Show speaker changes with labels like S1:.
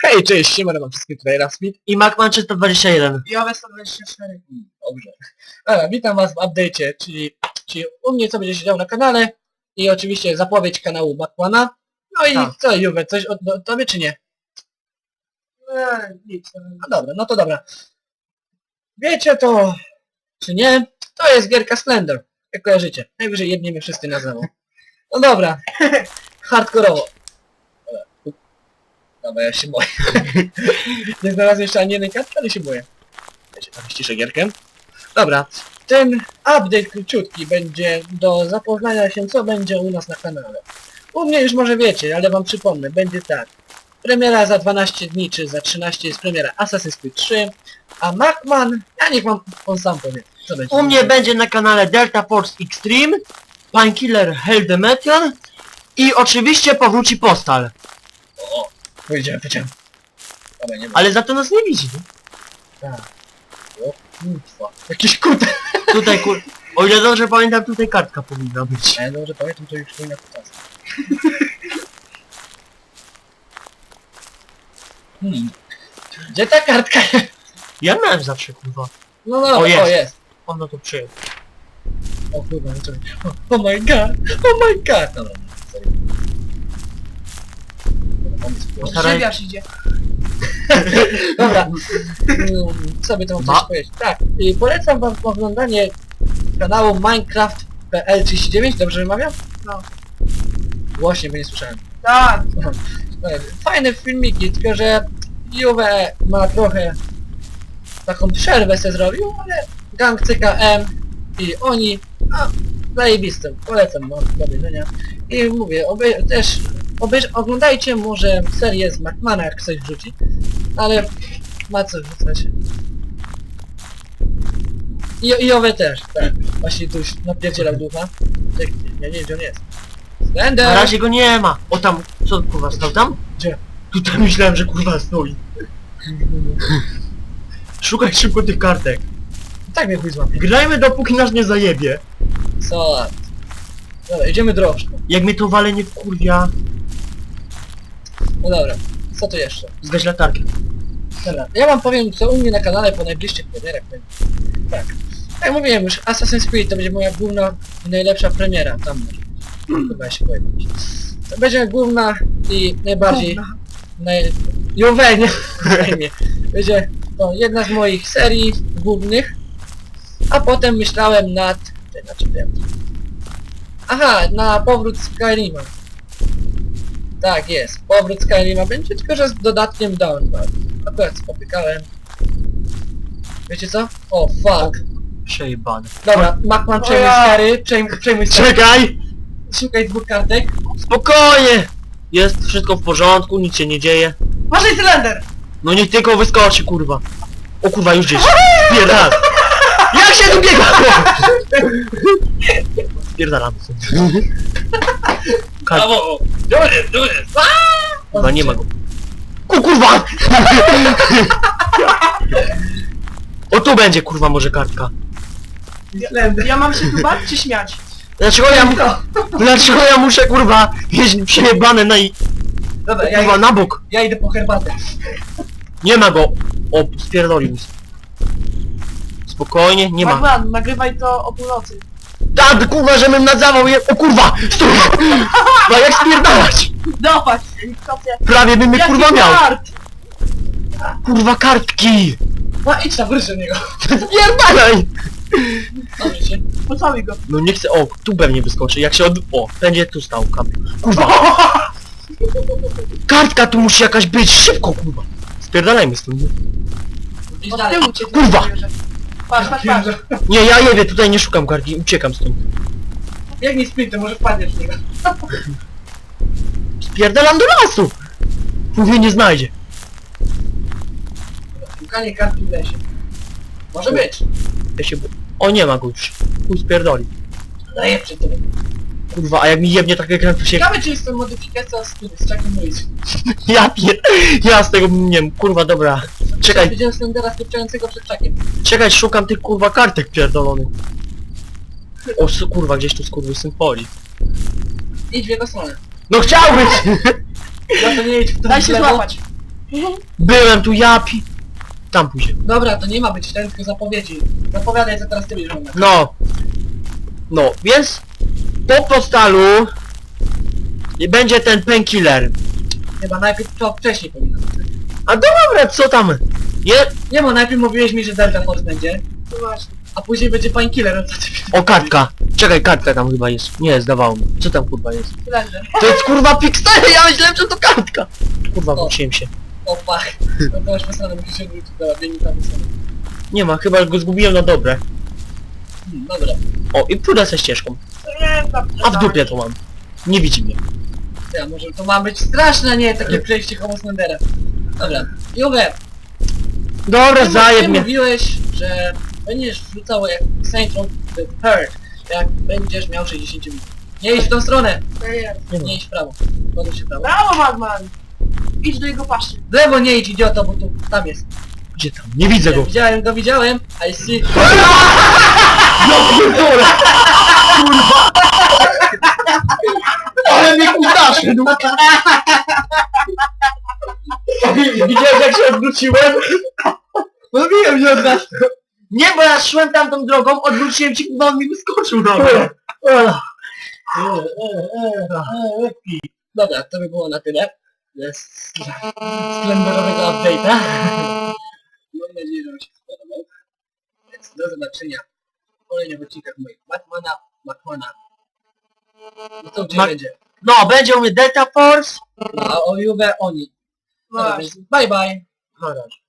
S1: Hej, cześć, siemano, mam wszystkich tutaj Rasmit.
S2: I Macman 321.
S3: I OWE 124.
S1: Dobrze. Dobra, witam was w update'cie, czyli u mnie co będzie się działo na kanale i oczywiście zapowiedź kanału Macmana. No i
S2: Tak.
S1: co, Juwe, coś od tobie czy nie?
S3: Nic.
S1: No dobra, no to dobra. Wiecie to, czy nie? To jest gierka Slender, jak kojarzycie. Najwyżej jedniemy wszyscy na znowu. No dobra, hardkorowo. Dobra, ja się boję. Nie znalazłem jeszcze ani jednej kartki, ale się boję. Ja się tam ściszę gierkę. Dobra, ten update króciutki będzie do zapoznania się, co będzie u nas na kanale. U mnie już może wiecie, ale wam przypomnę, będzie tak. Premiera za 12 dni, czy za 13 jest premiera Assassin's Creed 3, a Macman, ja niech wam on sam powie, co będzie.
S2: U mnie będzie na kanale Delta Force Extreme, Painkiller Hell Demetion i oczywiście powróci Postal.
S1: O, powiedziałem. Dobra, nie ma.
S2: Ale za to nas nie widzi.
S1: Tak. O, kurwa. Jakiś kut.
S2: Tutaj o ile dobrze pamiętam, tutaj kartka powinna być.
S1: A ja dobrze pamiętam, to już powinna kutas. Gdzie ta kartka?
S2: Ja miałem zawsze kurwa.
S1: No dobra,
S2: O, jest.
S1: o jest.
S2: Ono to przyjął.
S1: O kurwa, no czekaj. Oh my god, oh my god. Dobra, sorry. Dobra, pomysł był.
S2: Staraj-
S3: Grzybiarz idzie.
S1: Dobra, co by to mam coś powiedzieć? Tak, i polecam wam oglądanie kanału Minecraft.pl39, dobrze wymawiam?
S3: No.
S1: Głośnie, bo nie słyszałem.
S3: Tak.
S1: Fajne filmiki, tylko że Juve ma trochę taką przerwę se zrobił, ale gang CKM i oni, a zajebistym, polecam, no, do widzenia. I mówię, oglądajcie może serię z Macmana, jak ktoś wrzuci, ale ma co wrzucać. I Juve też, tak, właśnie tu już napierdzielał ducha. Ja nie wiem, gdzie on jest. Slender!
S2: Na razie go nie ma. O tam, co kurwa stał tam?
S1: Gdzie?
S2: Tutaj myślałem, że kurwa stoi. Szukaj szybko tych kartek.
S1: Tak mnie chuj złapie.
S2: Grajmy dopóki nas nie zajebie.
S1: Co? Dobra, idziemy drożdżką.
S2: Jak mnie to wale nie wkurwia,
S1: No dobra, co tu jeszcze?
S2: zgaś latarkę.
S1: Dobra, ja wam powiem, co u mnie na kanale po najbliższych premierach będzie. Tak. Jak mówiłem już, Assassin's Creed to będzie moja główna i najlepsza premiera. Tam może być. Chyba się pojawić. To będzie główna i najbardziej... Juve, nie? Zajmie. Będzie to jedna z moich serii głównych. A potem myślałem nad... Aha, na powrót Skyrima. Tak jest, powrót Skyrima będzie, tylko że z dodatkiem Downward. Akurat spotykałem. Wiecie co? O, fuck.
S2: Przejebane.
S1: Dobra, Macman przejmuj
S3: O ja.
S1: Skary, przejmuj Skary.
S2: Czekaj!
S1: Szukaj dwóch kartek.
S2: Spokojnie! Jest wszystko w porządku, nic się nie dzieje.
S3: Uważaj, Slender!
S2: No niech tylko wyskoczy, kurwa. O kurwa, już gdzieś. Spierdal! Jak się tu biega? Spierdalam.
S1: Brawo! Tu jest!
S2: Kurwa, nie ma go. Kurwa! O tu będzie, kurwa, może kartka.
S3: Slender. Ja mam się tu bać czy śmiać?
S2: Dlaczego ja muszę, kurwa, jeść przejebane
S1: Dobra,
S2: kurwa, na bok?
S1: ja idę po herbatę.
S2: Nie ma go. O, spierdolił mi. Spokojnie, nie ma.
S3: Macman, nagrywaj to o północy.
S2: Tak, kurwa, żebym nadzawał je... O kurwa! Stój! Kurwa, jak spierdalać?
S3: Dawać, helikopter.
S2: Prawie bym mnie,
S3: Jaki
S2: kurwa, miał.
S3: kart?
S2: Kurwa, kartki!
S1: No idź tam, wróć do niego.
S2: Spierdalaj!
S1: Dobrze się.
S3: Pocałuj go.
S2: No nie chcę... O, tu pewnie wyskoczy. Jak się od... O, będzie tu stał kamp. Kurwa! Kartka tu musi jakaś być! Szybko, kurwa! Spierdalajmy stąd.
S1: Idź
S3: Od
S1: dalej.
S3: tyłu cię
S2: Kurwa.
S3: zabierze. Patrz, patrz, patrz.
S2: Nie, ja jedę, tutaj nie szukam kartki. Uciekam stąd.
S1: Biegnij sprintem, może wpadniesz w niego.
S2: Spierdalam do lasu! Mówię, nie znajdzie.
S1: Szukanie kartki w lesie. Może być.
S2: Ja się... O, nie ma go już. Chuj spierdoli.
S1: Daję przy tym.
S2: Kurwa, a jak mi jebnie tak ekran, to się...
S1: Ciekawe, czy jest to modyfikacja z Chuck Norris.
S2: Ja z tego, nie wiem, kurwa, dobra. Czekaj,
S1: Widziałem Slendera spieprzającego przed Chuckiem.
S2: czekaj, szukam tych, kurwa, kartek pierdolonych. O, kurwa, gdzieś tu skurwysyn poli.
S1: Idź w jego stronę.
S2: No chciałbyś!
S1: Ja to nie idź w tą
S3: Daj się
S1: lewo.
S3: złapać.
S2: Byłem tu, Tam pójdzie.
S1: Dobra, to nie ma być ten, tylko zapowiedzi. Zapowiadaj, co teraz ty będziesz robił.
S2: No. No, więc po postalu będzie ten painkiller.
S1: Chyba najpierw to wcześniej powinno być.
S2: A dobra, co tam?
S1: Nie, bo najpierw mówiłeś mi, że Delta Force będzie,
S3: No właśnie.
S1: a później będzie Painkiller.
S2: O, kartka. Czekaj, kartka tam chyba jest. Nie, zdawało mi. Co tam kurwa jest?
S3: Slender.
S2: To jest kurwa Pixel, ja myślałem, że to kartka. Kurwa,
S1: O.
S2: wróciłem się.
S1: O fuck. No to masz wysłane, musisz się odwrócić. Dobra, biegnij tam wysłane.
S2: Nie ma, chyba go zgubiłem na dobre.
S1: Dobra.
S2: O, i pójdę ze ścieżką.
S3: Nie, tam.
S2: A w dupie to mam. Nie widzi mnie.
S1: Ja, może to ma być straszne, nie? Takie przejście Homo Slendera. Dobra. Juwe,
S2: Dobra,
S1: ty
S2: zajeb mnie.
S1: mówiłeś, że będziesz wrzucał jak Saint Row the Third, jak będziesz miał 60 minut. Nie idź w tą stronę!
S2: Nie ma.
S1: Nie idź w prawo. Podaj się w prawo.
S3: Brawo, Madman! Idź do jego paszy.
S1: W lewo nie idź, idioto, bo tu, tam jest.
S2: Gdzie tam? Nie widzę go.
S1: Widziałem. I see.
S2: Ale mnie kudaszy.
S1: Widziałeś jak się odwróciłem? Mówiłem, że od nas.
S2: Nie, bo ja szłem tamtą drogą, odwróciłem się, bo on mi wyskoczył na mnie.
S1: Dobra, to by było na tyle. Z slenderowego update'a. Mam nadzieję, że wam się spodobał. Więc do zobaczenia w kolejnych odcinkach moich Batmana. No to gdzie
S2: Ma-
S1: będzie?
S2: No, będzie u mnie Delta Force.
S1: No, a o Juve oni.
S3: No
S1: Dobra,
S3: właśnie.
S1: więc bye bye.
S2: Na razie.